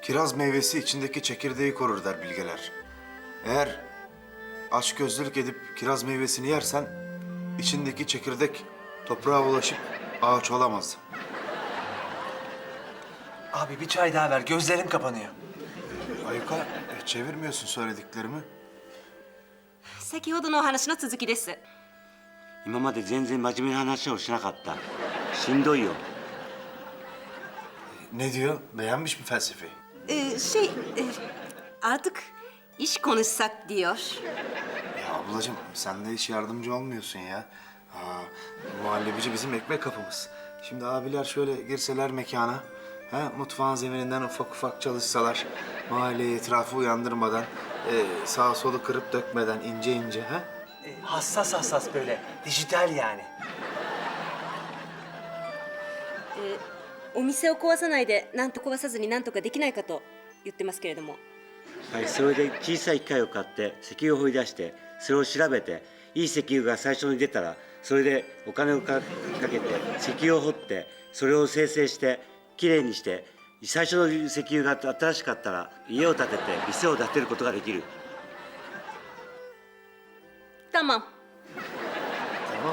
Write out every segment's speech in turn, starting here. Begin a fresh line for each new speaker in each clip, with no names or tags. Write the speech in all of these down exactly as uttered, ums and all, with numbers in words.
kiraz meyvesi içindeki çekirdeği korur der bilgeler. Eğer açgözlülük edip kiraz meyvesini yersen içindeki çekirdek toprağa ulaşıp ağaç olamaz.
Abi bir çay daha ver, gözlerim kapanıyor.
Ayuka, e, çevirmiyorsun söylediklerimi.
先ほどのお話の続きです。
今まで全然真面目な話をしなかった。しんどいよ。
Ne diyor? Beğenmiş mi felsefeyi?
Ee, şey, e, artık iş konuşsak diyor.
Ya ablacığım sen de hiç yardımcı olmuyorsun ya. Aa, muhallebici bizim ekmek kapımız. Şimdi abiler şöyle girseler mekana, ha, mutfağın zemininden ufak ufak çalışsalar, mahalleyi etrafı uyandırmadan, e, sağa solu kırıp dökmeden ince ince, ha?
Ee, hassas hassas böyle, dijital yani.
お店を壊さないで、なんと壊さずになんとかできないかと言ってますけれども。
はい、それで小さい機械を買って石油を掘り出してそれを調べていい石油が最初に出たらそれでお金をかかけて石油を掘ってそれを精製してきれいにして最初の石油が新しかったら家を建てて店を建てることができる。
Tamam.
Tamam.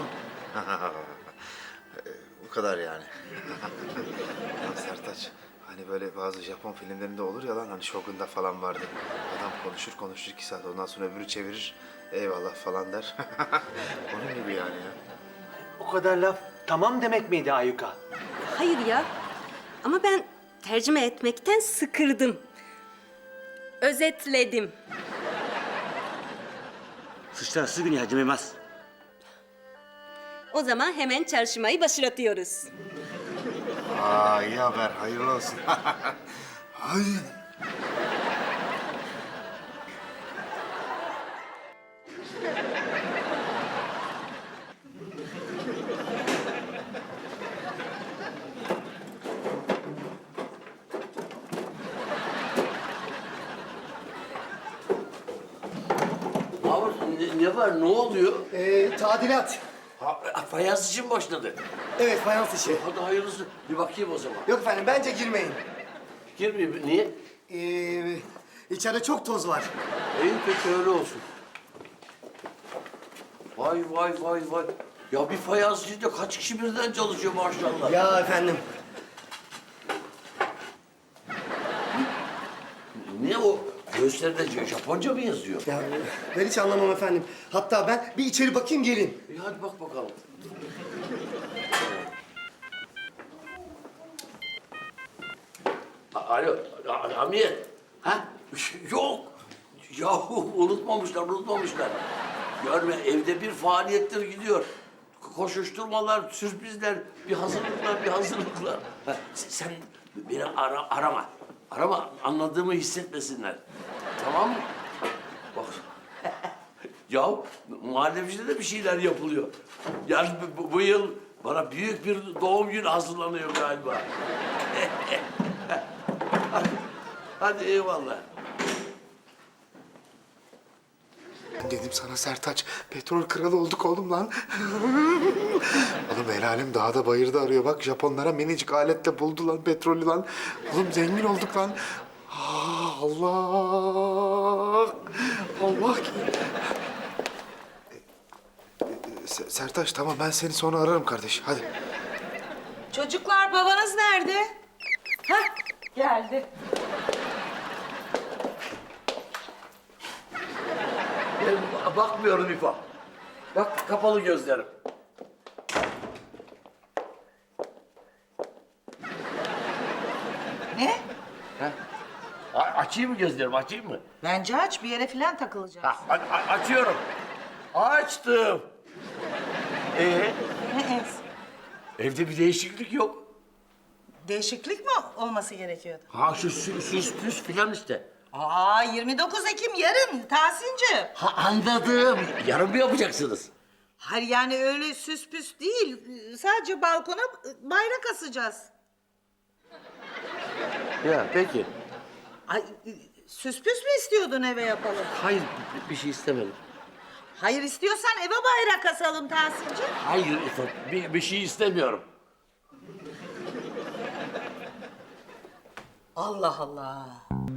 Bu kadar yani. Lan Sertaç, hani böyle bazı Japon filmlerinde olur ya lan, hani Shogun'da falan vardı. Adam konuşur konuşur iki saat, ondan sonra öbürü çevirir, eyvallah falan der. Onun gibi yani ya.
O kadar laf tamam demek miydi Ayuka?
Hayır ya. Ama ben tercüme etmekten sıkırdım. Özetledim.
そしたらすぐに始めます。
O zaman hemen çalışmayı başlatıyoruz.
Aa, iyi haber, hayırlı olsun. Hayır.
Mahmut ne, ne var, ne oluyor?
Ee, tadilat.
Ha, fayans için başladı.
Evet, fayans işi.
Hadi hayırlısı, bir bakayım o zaman.
Yok efendim, bence girmeyin.
Girmeyeyim, niye?
Ee, içeride çok toz var.
İyi peki öyle olsun. Vay vay vay vay. Ya bir fayans içinde kaç kişi birden çalışıyor maşallah.
Ya efendim,
Ne o? Gösteride Japonca mı yazıyor?
ya ben hiç anlamam efendim. Hatta ben bir içeri bakayım, geleyim.
İyi hadi bak bakalım. A- Alo, A- Hamiyet. Ha? Yok. Yahu unutmamışlar, unutmamışlar. Görme evde bir faaliyetler gidiyor. Koşuşturmalar, sürprizler, bir hazırlıklar, bir hazırlıklar. Ha, sen sen beni ara, arama. Arama, anladığımı hissetmesinler. Tamam mı? Bak. Ya muhallebicide de bir şeyler yapılıyor. Yani bu, bu yıl bana büyük bir doğum günü hazırlanıyor galiba. hadi, hadi eyvallah.
Dedim sana Sertaç, petrol kralı olduk oğlum lan. Oğlum el alem dağda bayırda arıyor. Bak Japonlara minicik aletle buldu lan petrolü lan. Oğlum zengin olduk lan. Aa, Allah! Allah ki. Se- Sertaç tamam, ben seni sonra ararım kardeş. Hadi.
Çocuklar babanız nerede? Hah geldi.
Ben bakmıyorum İfa. Bak kapalı gözlerim.
Ne?
Ha? A- açayım mı gözlerimi, açayım mı?
Bence aç bir yere falan takılacak.
Ha, a- a- açıyorum. Açtım. Ee,
Ne es?
evde bir değişiklik yok.
Değişiklik mi olması gerekiyordu?
Ha şu sü- süs püs filan işte.
Aa yirmi dokuz Ekim yarın Tahsinci.
Ha anladım. Yarın mı yapacaksınız?
Hayır yani öyle süs püs değil. Sadece balkona bayrak asacağız.
Ya peki.
Ay süs püs mü istiyordun eve yapalım?
Hayır bir- bir şey istemedim.
Hayır istiyorsan eve bayrak asalım Tahsinci.
Hayır İfot, bir, bir şey istemiyorum.
Allah Allah.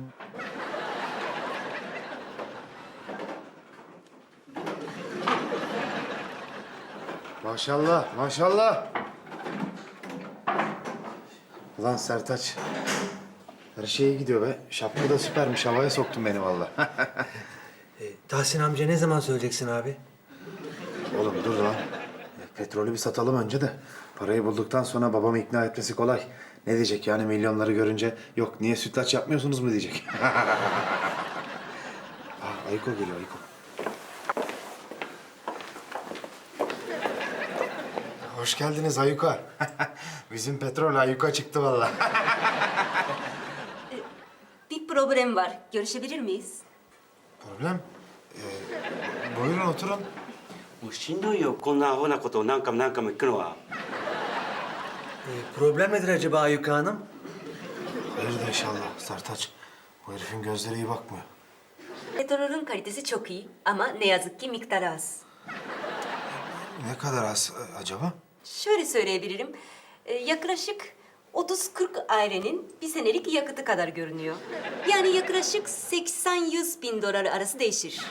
Maşallah, maşallah. Ulan Sertaç. Her şey iyi gidiyor be. Şapka da süpermiş. Havaya soktun beni vallahi.
E, Tahsin amca ne zaman söyleyeceksin abi?
Oğlum dur lan. Petrolü bir satalım önce de. Parayı bulduktan sonra babamı ikna etmesi kolay. Ne diyecek yani milyonları görünce? Yok niye sütlaç yapmıyorsunuz mu diyecek. Aa, Ayko geliyor Ayko. Hoş geldiniz Ayuka. Bizim petrol Ayuka çıktı vallahi.
Bir problem var. Görüşebilir miyiz?
Problem? Ee, buyurun oturun.
もうしんどいよこんなアホなことを何回も何回も聞くのは。
E, problem nedir acaba Ayyuka Hanım?
Hayırdır inşallah Sertaç. Bu herifin gözleri iyi bakmıyor.
Petrolün kalitesi çok iyi ama ne yazık ki miktarı az.
Ne kadar az e, acaba?
Şöyle söyleyebilirim. Ee, yaklaşık otuz kırk ailenin bir senelik yakıtı kadar görünüyor. Yani yaklaşık seksen yüz bin dolar arası değişir.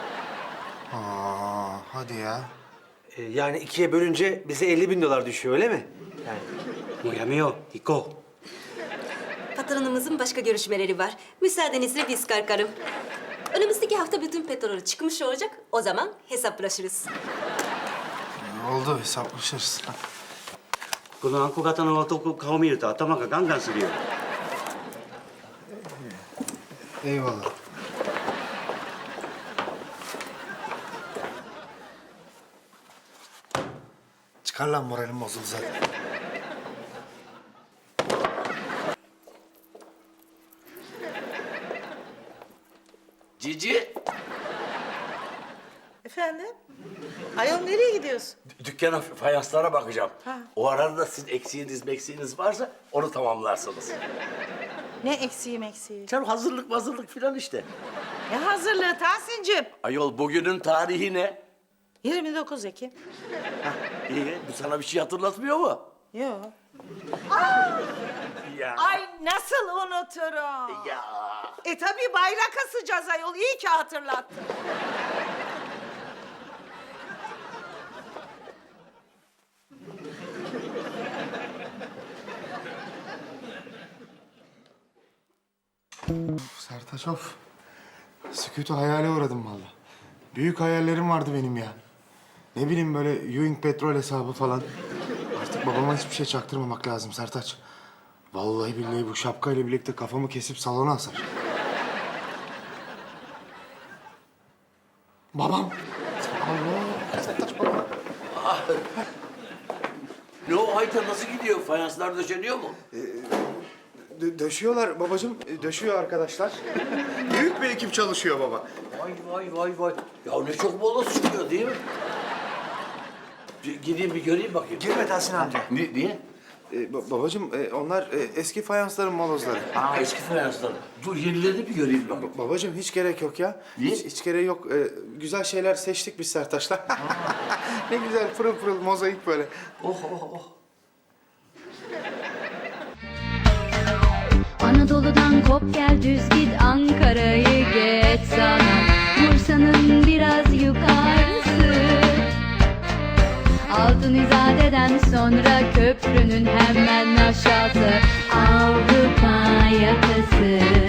Aa, hadi ya.
E, yani ikiye bölünce bize elli bin dolar düşüyor öyle mi? Yani
もうやめよう行こ
Patronumuzun başka görüşmeleri var. Müsaadenizle biz kalkarım. Önümüzdeki hafta bütün petrolü çıkmış olacak. O zaman hesaplaşırız.
Oldu hesaplaşırız.
うこのあんこ型の男顔見ると頭がガンガンするよ
Eyvallah. Çıkar lan moralim bozuldu zaten.
Cici,
Efendim? Ayol nereye gidiyorsun?
dükkana fayanslara bakacağım.
Ha.
O arada sizin eksiğiniz meksiğiniz varsa onu tamamlarsınız.
Ne eksiğim eksiği?
Canım hazırlık hazırlık filan işte.
Ne hazırlığı Tahsin'cim?
Ayol bugünün tarihi ne?
yirmi dokuz Ekim.
İyi, bu sana bir şey hatırlatmıyor mu?
Yok.
Ya.
Ay nasıl unuturum?
Ya.
E tabii bayrak asacağız ayol. İyi ki hatırlattın.
Sertaç of. Sükutu hayale uğradım vallahi. Büyük hayallerim vardı benim ya. Ne bileyim böyle Ewing petrol hesabı falan. Artık babama hiçbir şey çaktırmamak lazım Sertaç. Vallahi billahi bu şapkayla birlikte kafamı kesip salona asar. Babam. Allah. Sertaç babam.
Ne o Ayta nasıl gidiyor? Fayanslar döşeniyor mu?
Dö- döşüyorlar babacığım. e, Döşüyor arkadaşlar. Büyük bir ekip çalışıyor baba.
Vay vay vay vay. Ya ne çok bolos çıkıyor değil mi? Bir gideyim bir göreyim bakayım.
Girme Tahsin amca.
Ni- niye?
E, ba- babacığım e, onlar e, eski fayansların molozları.
Aa eski fayanslar. Dur yenilerini bir göreyim bakayım.
Ba- babacığım hiç gerek yok ya.
Niye?
Hiç, hiç gerek yok. E, güzel şeyler seçtik biz Sertaç'la. Ne güzel pırıl pırıl mozaik böyle.
Oh oh oh.
Anadolu'dan kop gel düz git Ankara'yı geç sana Bursa'nın biraz yukarısı Altın İzade'den sonra köprünün hemen aşağısı Avrupa yakası